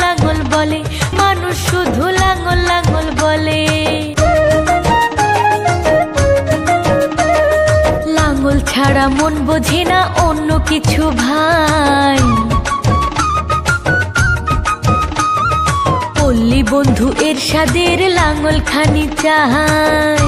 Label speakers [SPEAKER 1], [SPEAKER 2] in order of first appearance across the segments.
[SPEAKER 1] লাঙল বলে, মানুষ শুধু লাঙল লাঙল বলে। লাঙল ছাড়া মন বোঝে না অন্য কিছু ভাই। পল্লী বন্ধু এরশাদের লাঙল খানি চাই।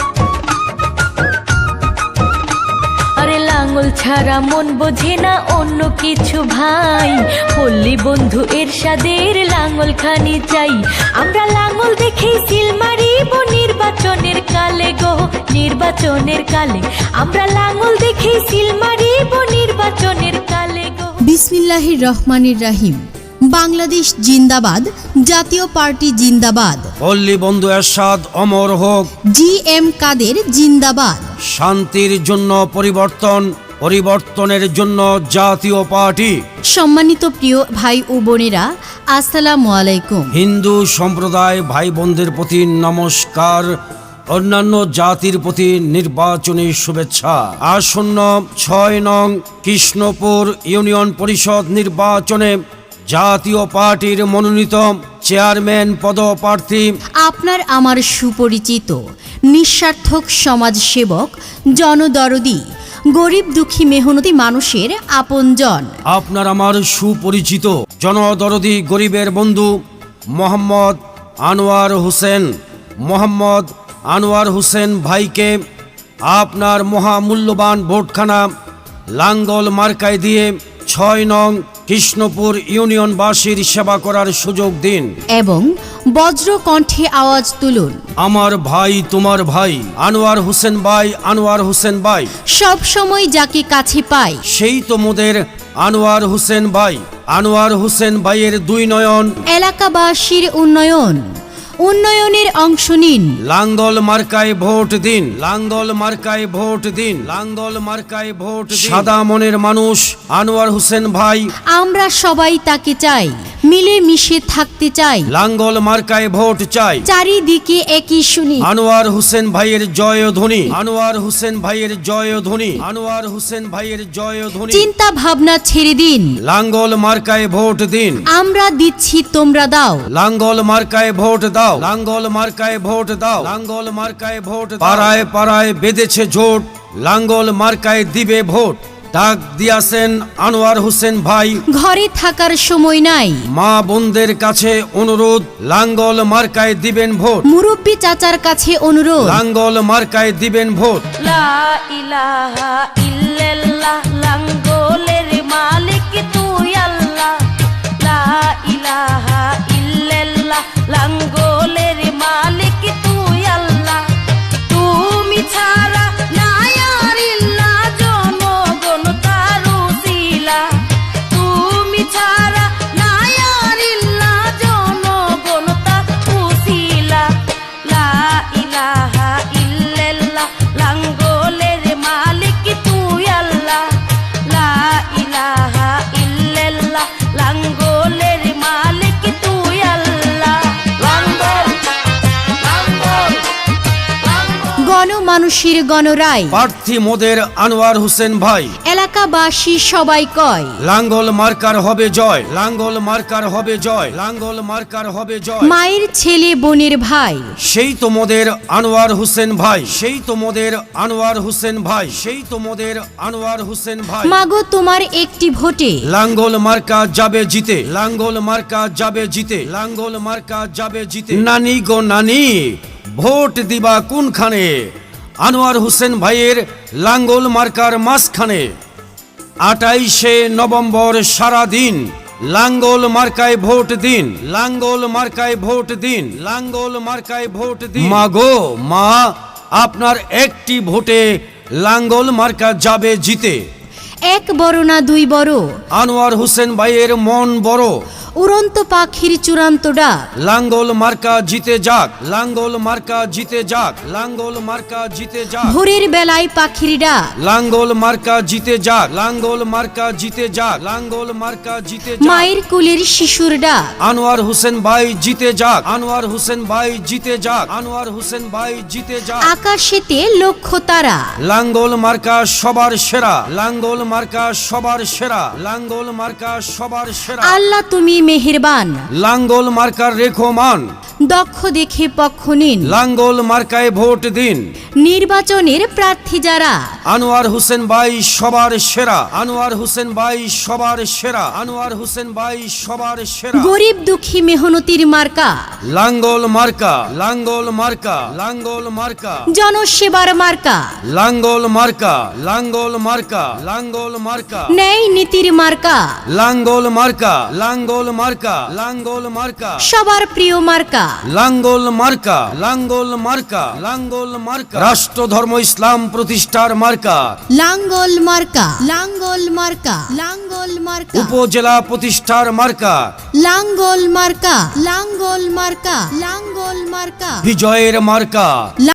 [SPEAKER 1] আরে লাঙল ছাড়া মন বোঝে না অন্য কিছু ভাই। পল্লী বন্ধু এরশাদের লাঙল খানি চাই। আমরা লাঙল দেখেই সিল মারিব নির্বাচনের কালে গো, নির্বাচনের কালে। আমরা লাঙল দেখেই সিল মারিব নির্বাচনের কালে গো।
[SPEAKER 2] বিসমিল্লাহির রহমানির রাহিম। বাংলাদেশ জিন্দাবাদ, জাতীয় পার্টি জিন্দাবাদ।
[SPEAKER 3] পল্লী বন্ধু এরশাদ অমর হোক।
[SPEAKER 2] GM কাদের জিন্দাবাদ।
[SPEAKER 3] শান্তির জন্য পরিবর্তন, পরিবর্তনের জন্য জাতীয় পার্টি।
[SPEAKER 2] সম্মানিত প্রিয় ভাই ও বোনেরা, আসসালামু আলাইকুম।
[SPEAKER 3] হিন্দু সম্প্রদায় ভাই বোনদের প্রতি নমস্কার। অন্যান্য জাতির প্রতি নির্বাচনী শুভেচ্ছা। আসন্ন 6 নং কৃষ্ণপুর ইউনিয়ন পরিষদ নির্বাচনে জাতীয় পার্টির মনোনীত চেয়ারম্যান পদপ্রার্থী
[SPEAKER 2] আপনার আমার সুপরিচিত নিঃস্বার্থক সমাজসেবক, জনদরদি, গরিব দুঃখী মেহনতি মানুষের আপনজন।
[SPEAKER 3] আপনার আমার সুপরিচিত জনদরদি গরিবের বন্ধু মোহাম্মদ আনোয়ার হোসেন। মোহাম্মদ আনোয়ার হোসেন ভাইকে আপনার মহামূল্যবান ভোটখানা লাঙ্গল মার্কায় দিয়ে 6 নং কৃষ্ণপুর ইউনিয়নবাসীর সেবা করার সুযোগ দিন
[SPEAKER 2] এবং বজ্র কণ্ঠে আওয়াজ তুলুন,
[SPEAKER 3] আমার ভাই তোমার ভাই আনোয়ার হোসেন ভাই, আনোয়ার হোসেন ভাই।
[SPEAKER 2] সব সময় যাকে কাছে পাই
[SPEAKER 3] সেই তো মোদের আনোয়ার হোসেন ভাই। আনোয়ার হোসেন ভাইয়ের 2 নয়ন।
[SPEAKER 2] এলাকাবাসীর উন্নয়ন, উন্নয়নের অংশ নিন।
[SPEAKER 3] লাঙ্গল মার্কায় ভোট দিন, লাঙ্গল মার্কায় ভোট দিন, লাঙ্গল মার্কায় ভোট দিন। সাদা মনের মানুষ আনোয়ার হোসেন ভাই,
[SPEAKER 2] আমরা সবাই তাকে চাই, মিলে মিশে থাকতে চাই।
[SPEAKER 3] লাঙ্গল মার্কায় ভোট চাই।
[SPEAKER 2] চারিদিকে একই শুনি,
[SPEAKER 3] আনোয়ার হোসেন ভাইয়ের জয়ধ্বনি, আনোয়ার হোসেন ভাইয়ের জয়ধ্বনি, আনোয়ার হোসেন ভাইয়ের জয়ধ্বনি।
[SPEAKER 2] চিন্তা ভাবনা ছেড়ে দিন,
[SPEAKER 3] লাঙ্গল মার্কায় ভোট দিন।
[SPEAKER 2] আমরা দিচ্ছি তোমরা দাও।
[SPEAKER 3] লাঙ্গল মার্কায় ভোট দাও, লাঙ্গল মার্কায় ভোট দাও, লাঙ্গল মার্কায় ভোট দাও। পাড়ায় পাড়ায় বেঁধেছে জোট, লাঙ্গল মার্কায় দিবে ভোট। ডাক দিয়াছেন আনোয়ার হোসেন ভাই,
[SPEAKER 2] ঘরে থাকার সময় নাই।
[SPEAKER 3] মা বোনদের কাছে অনুরোধ, লাঙ্গল মার্কায় দিবেন ভোট।
[SPEAKER 2] মুরব্বী চাচার কাছে অনুরোধ,
[SPEAKER 3] লাঙ্গল মার্কায় দিবেন ভোট।
[SPEAKER 1] লা ইলাহা ইল্লাল্লাহ, লাঙ্গলের মালিক তুই আল্লাহ। লা ইলাহা ইল্লাল্লাহ, লাঙ্গলের মালিক তুই আল্লাহ। তুমি ছাড়া নাই আর ইল্লাহ, জনগণ তার উসিলা। তুমি ছাড়া নাই আর ইল্লাহ, জনগণ তার উসিলা। লা ইলাহা ইল্লাল্লাহ, লাঙ্গলের মালিক তুই আল্লাহ। লা ইলাহা ইল্লাল্লাহ, লাঙ্গলের মালিক তুই আল্লাহ। লাঙ্গল লাঙ্গল লাঙ্গল।
[SPEAKER 2] গণমানুষের গণরায়,
[SPEAKER 3] প্রার্থী মোদের আনোয়ার হোসেন ভাই।
[SPEAKER 2] এলাকাবাসী সবাই কয়,
[SPEAKER 3] লাঙ্গল মার্কার হবে জয়, লাঙ্গল মার্কার হবে জয়, লাঙ্গল মার্কার হবে জয়।
[SPEAKER 2] মায়ের ছেলে বোনের ভাই,
[SPEAKER 3] সেই তো মোদের আনোয়ার হোসেন ভাই, সেই তো মোদের আনোয়ার হোসেন ভাই, সেই তো মোদের আনোয়ার হোসেন ভাই।
[SPEAKER 2] মাগো তোমার একটি ভোটে
[SPEAKER 3] লাঙ্গল মার্কা যাবে জিতে, লাঙ্গল মার্কা যাবে জিতে, লাঙ্গল মার্কা যাবে জিতে। নানি গো নানি, ভোট দিবা কোনখানে? আনোয়ার হোসেন ভাইয়ের লাঙ্গল মার্কার মাঝখানে। 28শে নভেম্বর সারাদিন লাঙ্গল মার্কায় ভোট দিন, লাঙ্গল মার্কায় ভোট দিন, লাঙ্গল মার্কায় ভোট দিন। মা গো মা, আপনার একটি ভোটে লাঙ্গল মার্কা যাবে জিতে।
[SPEAKER 2] এক বড় না দুই বড়,
[SPEAKER 3] আনোয়ার হোসেন ভাইয়ের মন বড়।
[SPEAKER 2] উড়ন্ত পাখির চূড়ান্ত ডাক,
[SPEAKER 3] লাঙ্গল মার্কা জিতে যাক, লাঙ্গল মার্কা জিতে যাক, লাঙ্গল মার্কা জিতে যাক।
[SPEAKER 2] ভোরের বেলায় পাখির ডাক,
[SPEAKER 3] লাঙ্গল মার্কা জিতে যাক, লাঙ্গল মার্কা জিতে যাক, লাঙ্গল মার্কা জিতে যাক।
[SPEAKER 2] মায়ের কোলের শিশুর ডাক,
[SPEAKER 3] আনোয়ার হোসেন ভাই জিতে যাক, আনোয়ার হোসেন ভাই জিতে যাক, আনোয়ার হোসেন ভাই জিতে যাক।
[SPEAKER 2] আকাশেতে লক্ষ্য তারা,
[SPEAKER 3] লাঙ্গল মার্কা সবার সেরা, লাঙ্গল মার্কা সবার সেরা, লাঙ্গল মার্কা সবার সেরা।
[SPEAKER 2] আল্লাহ তুমি মেহেরবান,
[SPEAKER 3] লাঙ্গল মার্কার রেখো মান,
[SPEAKER 2] দক্ষ দেখে পক্ষ নিন।
[SPEAKER 3] লাঙ্গল মার্কায় ভোট দিন।
[SPEAKER 2] নির্বাচনের প্রার্থী যারা,
[SPEAKER 3] আনোয়ার হোসেন ভাই সবার সেরা, আনোয়ার হোসেন ভাই সবার সেরা, আনোয়ার হোসেন ভাই সবার সেরা।
[SPEAKER 2] গরিব দুঃখী মেহনতির মার্কা,
[SPEAKER 3] লাঙ্গল মার্কা, লাঙ্গল মার্কা, লাঙ্গল মার্কা,
[SPEAKER 2] জনসেবার মার্কা,
[SPEAKER 3] লাঙ্গল মার্কা, লাঙ্গল মার্কা, লাঙ্গল মার্কা,
[SPEAKER 2] ন্যায় নীতির মার্কা,
[SPEAKER 3] লাঙ্গল মার্কা, লাঙ্গল মার্কা, লাঙ্গল মার্কা,
[SPEAKER 2] সবার প্রিয় মার্কা,
[SPEAKER 3] লাঙ্গল মার্কা, লাঙ্গল মার্কা, লাঙ্গল মার্কা, রাষ্ট্র ধর্ম ইসলাম প্রতিষ্ঠার মার্কা,
[SPEAKER 2] লাঙ্গল মার্কা, লাঙ্গল মার্কা, লাঙ্গল মার্কা,
[SPEAKER 3] উপজেলা প্রতিষ্ঠার মার্কা,
[SPEAKER 2] লাঙ্গল মার্কা, লাঙ্গল মার্কা, লাঙ্গল মার্কা,
[SPEAKER 3] বিজয়ের মার্কা।